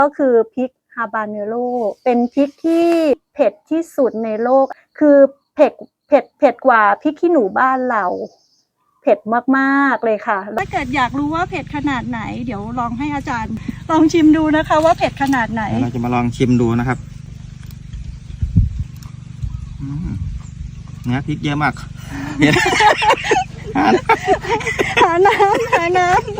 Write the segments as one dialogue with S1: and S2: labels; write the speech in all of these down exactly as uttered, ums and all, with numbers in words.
S1: ก็คือพริกฮาบาเนโรเป็นพริกที่เผ็ดที่สุดในโลกคือเผ็ดเผ็ดเผ็ดกว่าพริกขี้หนูบ้านเราเผ็ดมากๆเลยค่ะถ้าเกิดอยากรู้ว่าเผ็ดขนาดไหนเดี๋ยวลองให้อาจารย์ลองชิมดูนะคะว่าเผ็ดขนาดไหน
S2: เราจะมาลองชิมดูนะครับเนื้อพริกเยอะมาก
S1: หาน้ำหาน้ำ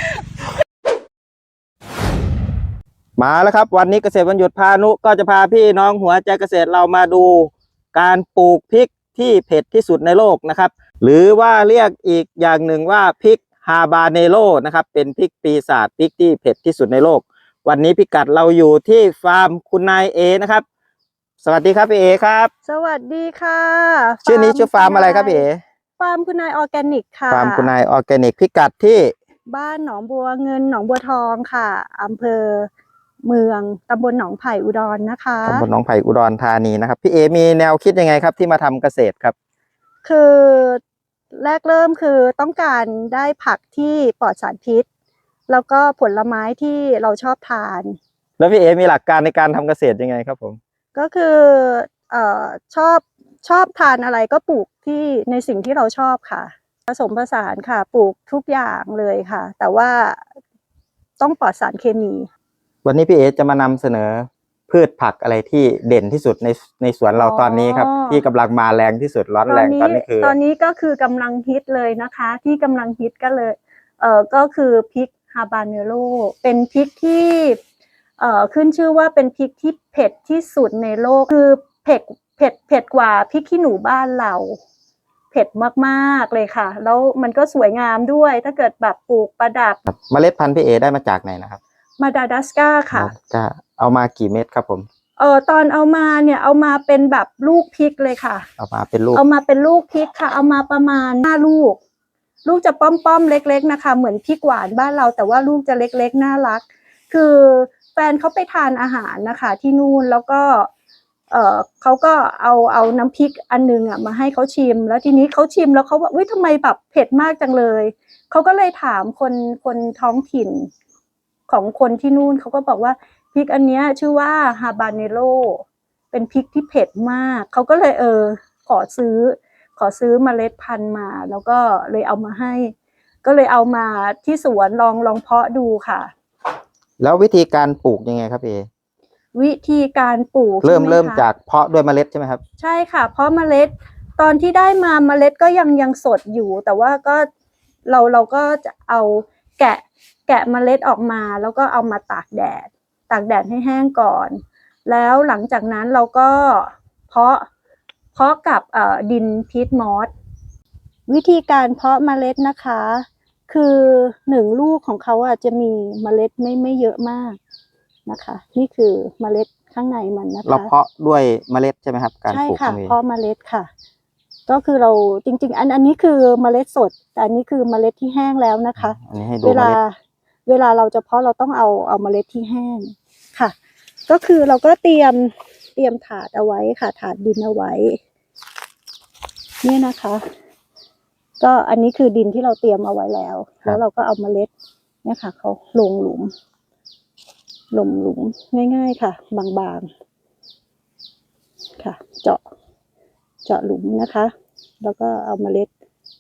S2: มาแล้วครับวันนี้เกษตรวันหยุดพานุก็จะพาพี่น้องหัวใจเกษตรเรามาดูการปลูกพริกที่เผ็ดที่สุดในโลกนะครับหรือว่าเรียกอีกอย่างหนึ่งว่าพริกฮาบาเนโรนะครับเป็นพริกปีศาจพริกที่เผ็ดที่สุดในโลกวันนี้พิกัดเราอยู่ที่ฟาร์มคุณนายเอนะครับสวัสดีครับพี่เอครับ
S1: สวัสดีค่ะ
S2: ชื่อนี้ชื่อฟาร์มอะไรครับพี่เอ
S1: ฟาร์มคุณนายออร์แกนิกค่ะ
S2: ฟาร์มคุณนายออร์แกนิกพิกัดที่
S1: บ้านหนองบัวเงินหนองบัวทองค่ะอำเภอเมืองตำบลหนองไผ่อุดรนะคะ
S2: ตำบลหนองไผ่อุดรธานีนะครับพี่เอมีแนวคิดยังไงครับที่มาทำเกษตรครับ
S1: คือแรกเริ่มคือต้องการได้ผักที่ปลอดสารพิษแล้วก็ผลไม้ที่เราชอบทาน
S2: แล้วพี่เอมีหลักการในการทำเกษตรยังไงครับผม
S1: ก็คือเอ่อชอบชอบทานอะไรก็ปลูกที่ในสิ่งที่เราชอบค่ะผสมผสานค่ะปลูกทุกอย่างเลยค่ะแต่ว่าต้องปลอดสารเคมี
S2: วันนี้พี่เอจะมานำเสนอพืชผักอะไรที่เด่นที่สุดในในสวนเราตอนนี้ครับที่กำลังมาแรงที่สุดร้อนแรงตอนนี้คือ
S1: ตอนนี้ก็คือกำลังฮิตเลยนะคะที่กำลังฮิตก็เลยเอ่อก็คือพริกฮาบาเนโรเป็นพริกที่เอ่อขึ้นชื่อว่าเป็นพริกที่เผ็ดที่สุดในโลกคือเผ็ดเผ็ดเผ็ดกว่าพริกขี้หนูบ้านเราเผ็ดมากๆเลยค่ะแล้วมันก็สวยงามด้วยถ้าเกิดแบบปลูกประดับ
S2: เมล็ดพันธุ์พี่เอได้มาจากไหนนะครับ
S1: มาดากัสการ์ค่ะ
S2: จะเอามากี่เม็ดครับผม
S1: เออตอนเอามาเนี่ยเอามาเป็นแบบลูกพริกเลยค่ะ
S2: เอามาเป็นลูก
S1: เอามาเป็นลูกพริกค่ะเอามาประมาณห้าลูกลูกจะป้อมๆเล็กๆนะคะเหมือนพริกหวานบ้านเราแต่ว่าลูกจะเล็กๆน่ารักคือแฟนเขาไปทานอาหารนะคะที่นู่นแล้วก็เออเขาก็เอาเอาน้ำพริกอันนึงอ่ะมาให้เขาชิมแล้วทีนี้เขาชิมแล้วเขาบอกวิทำไมแบบเผ็ดมากจังเลยเขาก็เลยถามคนคนท้องถิ่นของคนที่นู่นเขาก็บอกว่าพริกอันนี้ชื่อว่าฮาบาเนโรเป็นพริกที่เผ็ดมากเขาก็เลยเออขอซื้อขอซื้อเมล็ดพันธุ์มาแล้วก็เลยเอามาให้ก็เลยเอามาที่สวนลองลองเพาะดูค่ะ
S2: แล้ววิธีการปลูกยังไงครับเอ
S1: วิธีการปลูก
S2: เริ่มเริ่มจากเพาะด้วยเมล็ดใช่ไหมครับ
S1: ใช่ค่ะเพาะเมล็ดตอนที่ได้มาเมล็ดก็ยังยังสดอยู่แต่ว่าก็เราเราก็จะเอาแกะแกะเมล็ดออกมาแล้วก็เอามาตากแดดตากแดดให้แห้งก่อนแล้วหลังจากนั้นเราก็เพาะเพาะกับเอ่อดินพีทมอสวิธีการเพาะเมล็ดนะคะคือหนึ่งลูกของเขาอ่ะจะมีเมล็ดไม่ไม่เยอะมากนะคะนี่คือเมล็ดข้างในมันนะคะ
S2: เราเพาะด้วยเมล็ดใช่ไหมครับการปลูก
S1: ใช่ค่ะเพาะเมล็ดค่ะก็คือเราจริงๆอันอันนี้คือเมล็ดสดแต่อันนี้คือเมล็ดที่แห้งแล้วนะคะเวลาเวลาเราจะเพาะเราต้องเอาเอาเมล็ดที่แห้งค่ะก็คือเราก็เตรียมเตรียมถาดเอาไว้ค่ะถาดดินเอาไว้นี่นะคะก็อันนี้คือดินที่เราเตรียมเอาไว้แล้วแล้วเราก็เอาเมล็ดเนี่ยค่ะเขาลงหลุมหลุมหลุมง่ายๆค่ะบางๆค่ะเจาะเจาะหลุมนะคะแล้วก็เอาเมล็ด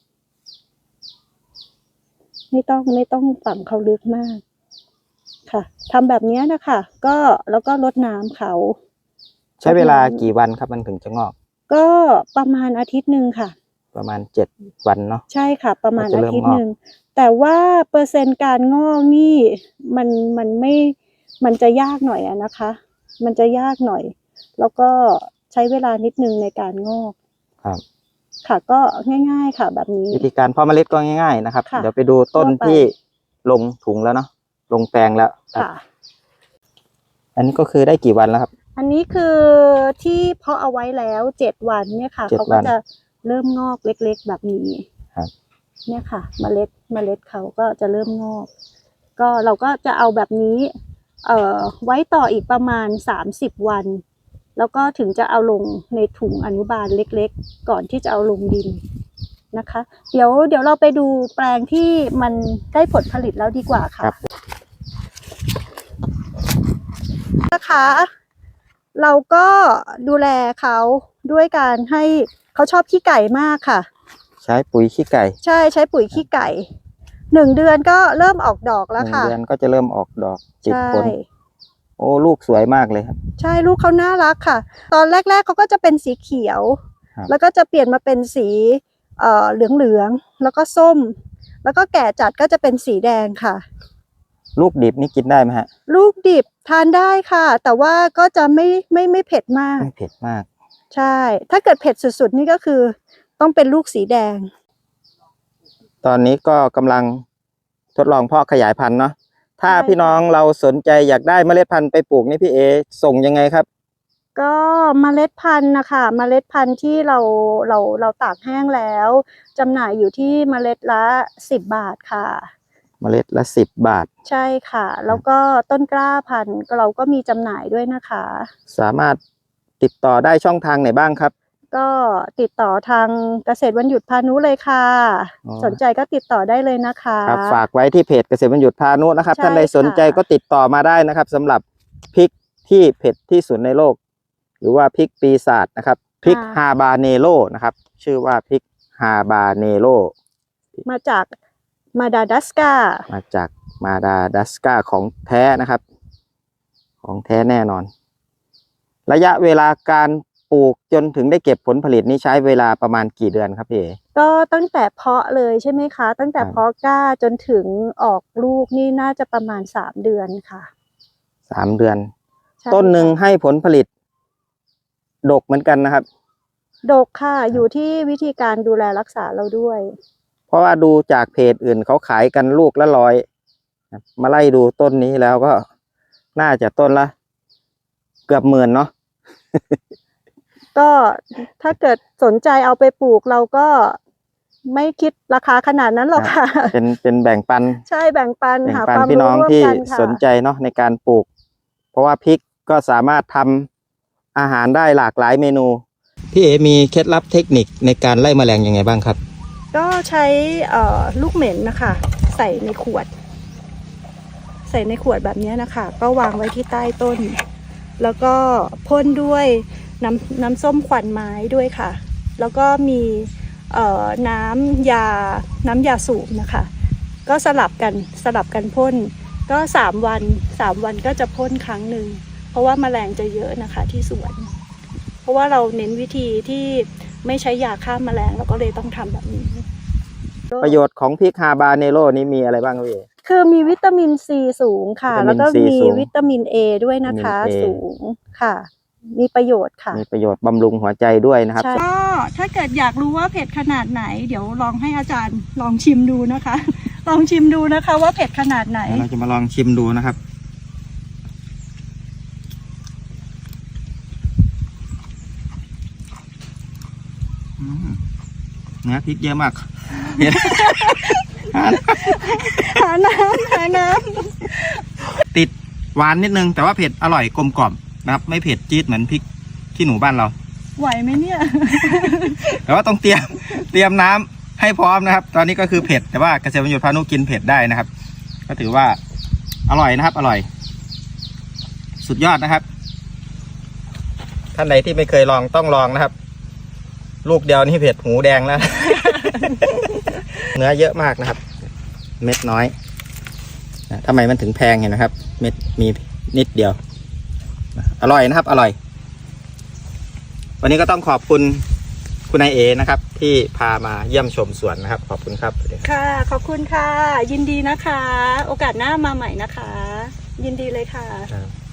S1: ไม่ต้องไม่ต้องฝังเขาลึกมากค่ะทำแบบนี้นะคะก็แล้วก็รดน้ำเขา
S2: ใช้เวลากี่วันครับมันถึงจะงอก
S1: ก็ประมาณอาทิตย์หนึ่งค่ะ
S2: ประมาณเจ็ดวันเนาะ
S1: ใช่ค่ะประมาณอาทิตย์หนึ่งแต่ว่าเปอร์เซ็นต์การงอกนี่มันมันไม่มันจะยากหน่อยอะนะคะมันจะยากหน่อยแล้วก็ใช้เวลานิดนึงในการงอก
S2: ครับ
S1: ค่ะก็ง่ายๆค่ะแบบนี้
S2: วิธีการเพาะเมล็ดก็ง่ายๆนะครับเดี๋ยวไปดูต้นที่ลงถุงแล้วเนาะลงแปลงแล้วค่ะอันนี้ก็คือได้กี่วันแล้วครับ
S1: อันนี้คือที่เพาะเอาไว้แล้วเจ็ดวันเนี่ยค่ะเขาก็จะเริ่มงอกเล็กๆแบบนี้
S2: ครับ
S1: เนี่ยค่ะเมล็ดเมล็ดเขาก็จะเริ่มงอกก็เราก็จะเอาแบบนี้เอ่อไว้ต่ออีกประมาณสามสิบวันแล้วก็ถึงจะเอาลงในถุงอนุบาลเล็กๆก่อนที่จะเอาลงดินนะคะเดี๋ยวเดี๋ยวเราไปดูแปลงที่มันได้ผลผลิตแล้วดีกว่าค่ะนะคะ เราก็ดูแลเขาด้วยการให้เขาชอบขี้ไก่มากค่ะ
S2: ใช้ปุ๋ยขี้ไก่
S1: ใช่ใช้ปุ๋ยขี้ไก่หนึ่งเดือนก็เริ่มออกดอก
S2: ห
S1: แล้ว
S2: นึ่ง
S1: ค่ะ
S2: เดือนก็จะเริ่มออกดอกติด
S1: ใช่
S2: ผลโอ้ลูกสวยมากเลยครับ
S1: ใช่ลูกเขาน่ารักค่ะ ตอนแรกๆเขาก็จะเป็นสีเขียว
S2: ครับ
S1: แล้วก็จะเปลี่ยนมาเป็นสีเอ่อเหลืองๆแล้วก็ส้ม แล้วก็แก่จัดก็จะเป็นสีแดงค่ะ
S2: ลูกดิบนี่กินได้ไหมฮะ
S1: ลูกดิบทานได้ค่ะ แต่ว่าก็จะไม่ไม่ไม่เผ็ดมาก
S2: ไม่เผ็ดมาก
S1: ใช่ ถ้าเกิดเผ็ดสุดๆนี่ก็คือต้องเป็นลูกสีแดง
S2: ตอนนี้ก็กำลังทดลองเพาะขยายพันธุ์เนาะถ้า
S1: ใช่
S2: พี่น้องเราสนใจอยากได้เมล็ดพันธุ์ไปปลูกนี่พี่เอส่งยังไงครับ
S1: ก็เมล็ดพันธุ์นะคะเมล็ดพันธุ์ที่เราเราเราตากแห้งแล้วจำหน่ายอยู่ที่เมล็ดละสิบบาทค่ะ
S2: เมล็ดละสิบบาท
S1: ใช่ค่ะ แล้วก็ต้นกล้าพันธุ์ก็เราก็มีจำหน่ายด้วยนะคะ
S2: สามารถติดต่อได้ช่องทางไหนบ้างครับ
S1: ก็ติดต่อทางเกษตรวันหยุดพานุเลยค่ะ
S2: อ๋อ
S1: สนใจก็ติดต่อได้เลยนะคะ
S2: ครับฝากไว้ที่เพจเกษตรวันหยุดพานุนะครับ
S1: ใช่
S2: ท่านใดสนใจ
S1: ค่ะ
S2: ก็ติดต่อมาได้นะครับสำหรับพริกที่เผ็ดที่สุดในโลก หรือว่าพริกปีศาจนะครับพริกฮาบาเนโรนะครับชื่อว่าพริกฮาบาเนโร
S1: มาจากมาดากัสการ์
S2: มาจากมาดากัสการ์ของแท้นะครับ ของแท้แน่นอน ระยะเวลาการปลูกจนถึงได้เก็บผลผลิตนี้ใช้เวลาประมาณกี่เดือนครับพี่เอ๋
S1: ก็ตั้งแต่เพาะเลยใช่ไหมคะ ตั้งแต่
S2: ครับ
S1: เพาะกล้าจนถึงออกลูกนี่น่าจะประมาณสามเดือนค่ะ
S2: สามเดือน
S1: ใช่
S2: ต้นหนึ่ง
S1: ค่ะ
S2: ให้ผลผลิตดกเหมือนกันนะครับ
S1: ดกค่ะ อยู่ที่วิธีการดูแลรักษาเราด้วย
S2: เพราะว่าดูจากเพจอื่นเขาขายกันลูกละร้อยนะมาไล่ดูต้นนี้แล้วก็น่าจะต้นละเกือบหมื่นเนาะ
S1: ก็ถ้าเกิดสนใจเอาไปปลูกเราก็ไม่คิดราคาขนาดนั้นหรอกค่ะ
S2: เป็นเป็นแบ่งปัน
S1: ใช่แบ่งปัน
S2: แบ่ง
S1: หา
S2: ปัน
S1: ความ
S2: พี่น้
S1: รู้
S2: อง
S1: ร่วม
S2: ที่
S1: กันค่ะ
S2: สนใจเนาะในการปลูก เพราะว่าพริกก็สามารถทำอาหารได้หลากหลายเมนูพี่เอ๋มีเคล็ดลับเทคนิคในการไล่แมลงยังไงบ้างครับ
S1: ก็ใช้เอ่อลูกเหม็นนะคะ ใส่ในขวด ใส่ในขวดแบบนี้นะคะ ก็วางไว้ที่ใต้ต้น แล้วก็พ่นด้วยน้ำน้ำส้มควันไม้ด้วยค่ะ แล้วก็มีเอ่อน้ำยาน้ำยาสูบนะคะ ก็สลับกันสลับกันพ่น ก็สามวันสามวันก็จะพ่นครั้งหนึ่งเพราะว่าแมลงจะเยอะนะคะที่สวน เพราะว่าเราเน้นวิธีที่ไม่ใช้ยาฆ่าแมลงเราก็เลยต้องทำแบบนี้
S2: ประโยชน์ของพริกฮาบาเนโรนี้มีอะไรบ้างครับพี่เอ๋
S1: คือมีวิตามินซีสูงค่ะ
S2: วิ
S1: แล้ว
S2: ตามิน
S1: ก็
S2: ซี
S1: มี
S2: สูง
S1: วิตามินเอด้วยนะคะ
S2: วิตามิน A
S1: สูงค่ะ มีประโยชน์ค่ะ
S2: มีประโยชน์บำรุงหัวใจด้วยนะครับ
S1: ก็ถ้าเกิดอยากรู้ว่าเผ็ดขนาดไหน เดี๋ยวลองให้อาจารย์ลองชิมดูนะคะ ลองชิมดูนะคะว่าเผ็ดขนาดไหน
S2: เราจะมาลองชิมดูนะครับ อืมเนื้อพริกเยอะมากเห็น
S1: หาน้ำหาน้
S2: ติดหวานนิดนึง แต่ว่าเผ็ดอร่อยกลมกล่อมนะครับ ไม่เผ็ดจี๊ดเหมือนพริกขี้หนูบ้านเรา
S1: ำไหวไหมเนี่ย
S2: แต่ว่าต้องเตรียม เตรียมน้ำให้พร้อมนะครับ ตอนนี้ก็คือเผ็ด แต่ว่าเกษตรประโยชน์พานุกินเผ็ดได้นะครับ ก็ถือว่าอร่อยนะครับ อร่อย สุดยอดนะครับ ท่านใดที่ไม่เคยลองต้องลองนะครับ ลูกเดียวนี่เผ็ดหูแดงแล้ว เนื้อเยอะมากนะครับ เม็ดน้อยนะทำไมมันถึงแพงเห็นไหมครับ เม็ดมีนิดเดียว อร่อยนะครับ อร่อย วันนี้ก็ต้องขอบคุณคุณนายเอนะครับ ที่พามาเยี่ยมชมสวนนะครับ ขอบคุณครับ
S1: ค่ะ ขอบคุณค่ะ ยินดีนะคะ โอกาสหน้ามาใหม่นะคะ ยินดีเลยค่ะ
S2: ครับ